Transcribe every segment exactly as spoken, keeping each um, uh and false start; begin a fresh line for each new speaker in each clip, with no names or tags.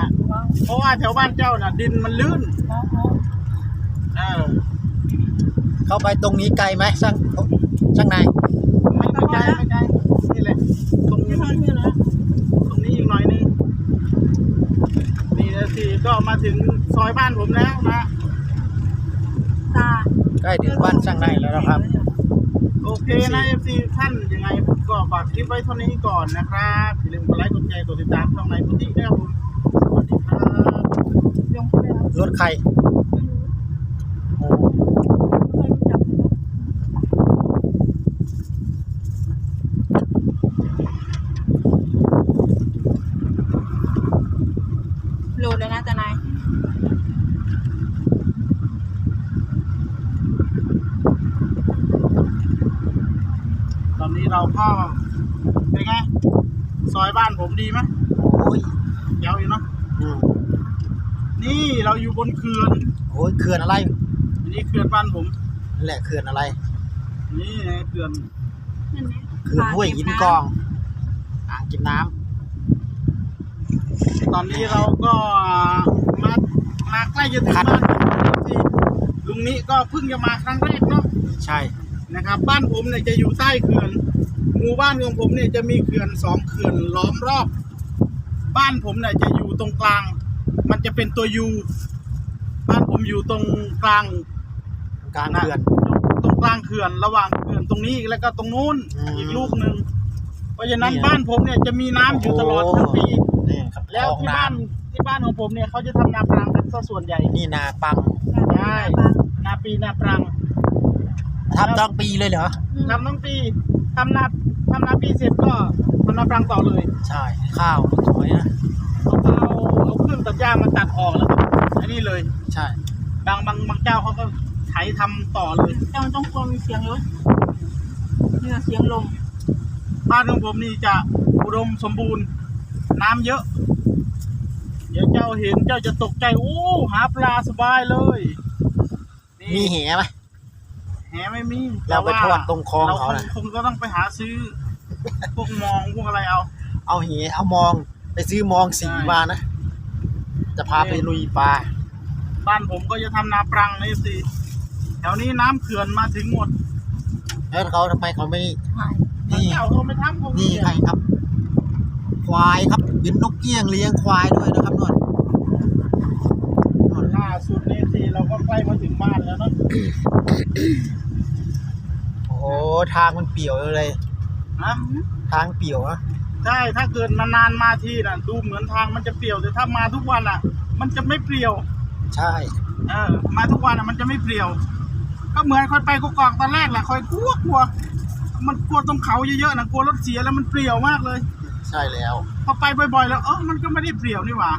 ะเพราะว่าแถวบ้านเจ้าน่ะดินมันลื่นเออ
เข้าไปตรงนี้ไกลไหมช่างช่างนาย
ไม่ไม่ไกลไม่ไกลนี่แหละตรงนี้ตรงนี้อีกหน่อยนึงนี่นะสิก็มาถึงซอยบ้านผมแล้วนะ
ใกล้ถึงบ้านช่างนายแล้วนะครับ
โอเคนะเอฟซีท่านยังไงผมก็ฝากคลิปไว้เท่านี้ก่อนนะครับอย่าลืมกดไลค์กดแชร์กดติดตามช่องในพื้นที่ด้วยครับผมสวัสดีครับ
รถใคร
โหลดเลยนะตานาย
ตอนนี้เราก็เป็นไงซอยบ้านผมดีไหม
โอ้ย
เดี๋ยวอยู่เนาะนี่เราอยู่บนเขื่อน
โอ้ยเขื่อนอะไร
นี่เขื่อนบ้านผม
นั่นแหละเขื่อนอะไร
นี่เขื่อน
เขื่อนห้วยหินกองอ่างเก็บน้
ำตอนนี้เราก็มามาใกล้จะถึงบ้านลุงนี้ก็เพิ่งจะมาครั้งแรกเนาะ
ใช่
นะครับบ้านผมเนี่ยจะอยู่ใต้เขื่อนหมู่บ้านของผมเนี่ยจะมีเขื่อนสองเขื่อนล้อมรอบบ้านผมเนี่ยจะอยู่ตรงกลางมันจะเป็นตัวยูบ้านผมอยู่ตรงกลาง
กลางเขื่อน
ตรงกลางเขื่อนระหว่างเขื่อนตรงนี้แล้วก็ตรงนู้นอีกลูกหนึ่งเพราะฉะนั้นบ้านผมเนี่ยจะมีน้ำอยู่ตลอดทั้งปีแล้วที่บ้านที่บ้านของผมเนี่ยเขาจะทำนาปรังกันซะส่วนใหญ่
นี่นาปัง
ใช่นาปีนาปรัง
ทำทั้งปีเลยเหรอ
ทำทั้งปีทำนาทำนาปีเสร็จก็ทำนาปรังต่อเลย
ใช่ข้าวสวยนะ
เขาเอาเอาเครื่องตัดหญ้ามาตัดออกแล้วก็อันนี้เลย
ใช่
บางบางบางเจ้าเขาก็ไถทำต่อเลย
เจ้าต้องกลัวมีเสียงรถเนี่ยเสียงลม
บ้านของผมนี่จะอุดมสมบูรณ์น้ำเยอะเดี๋ยวเจ้าเห็นเจ้าจะตกใจโอ้หาปลาสบายเลย
มีแหไหม
แหไม่มี
เราไปทอดตรงคลองเขา
คงก็ต้องไปหาซื้อพวกมองพวกอะไรเอา
เอาแหเอามองไปซื้อมองสีมานะจะพาไปลุยปลา
บ้านผมก็จะทำนาปรังนี่สิแถวนี้น้ำเขื่อนมาถึงหมด
แล้วเขาทำไมเขาไม่
นี่เขาไม่ทำ
นี่ใครครับควายครับยืนนกเกี้ยงเลี้ยงควายด้วยนะครับนวด
ล่าสุดนี่สิเราก็ใกล้มาถึงบ้านแล้วเนาะ
โอ้ทางมันเปี่ยวเลย
นะ
ทางเปี่ยวนะ
ใช่ถ้าเกิดนานๆมาทีน่ะดูเหมือนทางมันจะเปี่ยวแต่ถ้ามาทุกวันอ่ะมันจะไม่เปลี่ยว
ใช่
เออมาทุกวันอ่ะมันจะไม่เปลี่ยวก็เหมือนคอยไปกกอกตอนแรกแหละคอยกลัวกลัวมันกลัวตรงเขาเยอะๆนะกลัวรถเสียแล้วมันเปลี่ยวมากเลย
ใช่แล้ว
พอไปบ่อยๆแล้วเออมันก็ไม่ได้เปลี่ยวนี่หว่า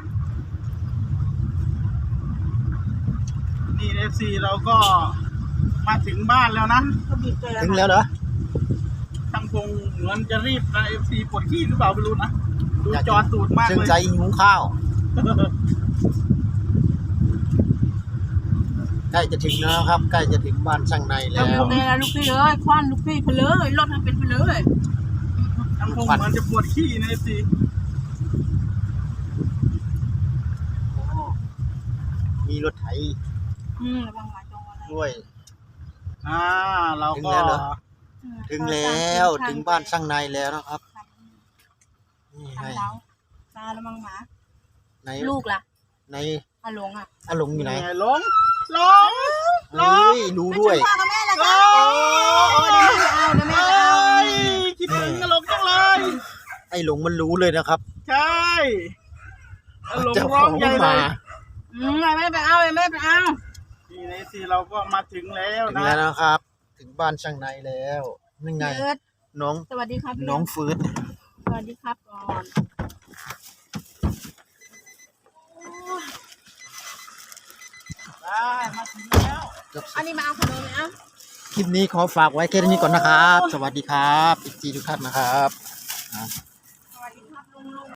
นี่เอฟซีเราก็มาถึงบ้านแล้วนะ
ถึงแล้วเหรอ
ตั้งพงเหมือนจะรีบนะเอฟซีปวดขี้หรือเปล่าไม่รู้นะดูจอตูดมากเลย
ซึ่งใจหิวข้าวใกล้จะถึงแล้วครับใกล้จะถึงบ้านช่างในแล้ว
ลูกพี่ลูกพี่เอ้ยควันลูกพี่เพลยรถมันเป็นเพลย
ตั้งพงเหมือนจะปวดขี้นะเอฟซี
มีรถไถด้วย
อ่าเราก็
ถึงแล้วถึงบ้านช่างในแล้วนะครับ
นี่ให้ตาละมังหมา
ใน
ลูกล่ะ
ใน
อาหลงอ่ะ
อาหลงอยู่ไหน
หลงหลง
หลงรู้ด้วย
พ่อกับแม่ละจ้าโอ้เดี๋ยวแม่เอาเดี๋ยวแม่เอา
คิดถึงหลงจังเลย
ไอ้หลงมันรู้เลยนะครับ
ใช่หลงร้องใหญ่เลย
อืมแม่ไปเอาแม่ไปเอา
นี่ในสิเราก็มาถึงแล้วนะ
ถึงแล้วนะครับถึงบ้านช่างในแล้วนี่ไงน้อง
สวัสดีครับ
น้องฟื้น
สวัสดีครับก่อน
ได้มาถึงแล้ว
อันนี้มาเอาขนมนะ
คลิปนี้ขอฝากไว้แค่นี้ก่อนนะครับสวัสดีครับอีกทีทุกท่านนะครับ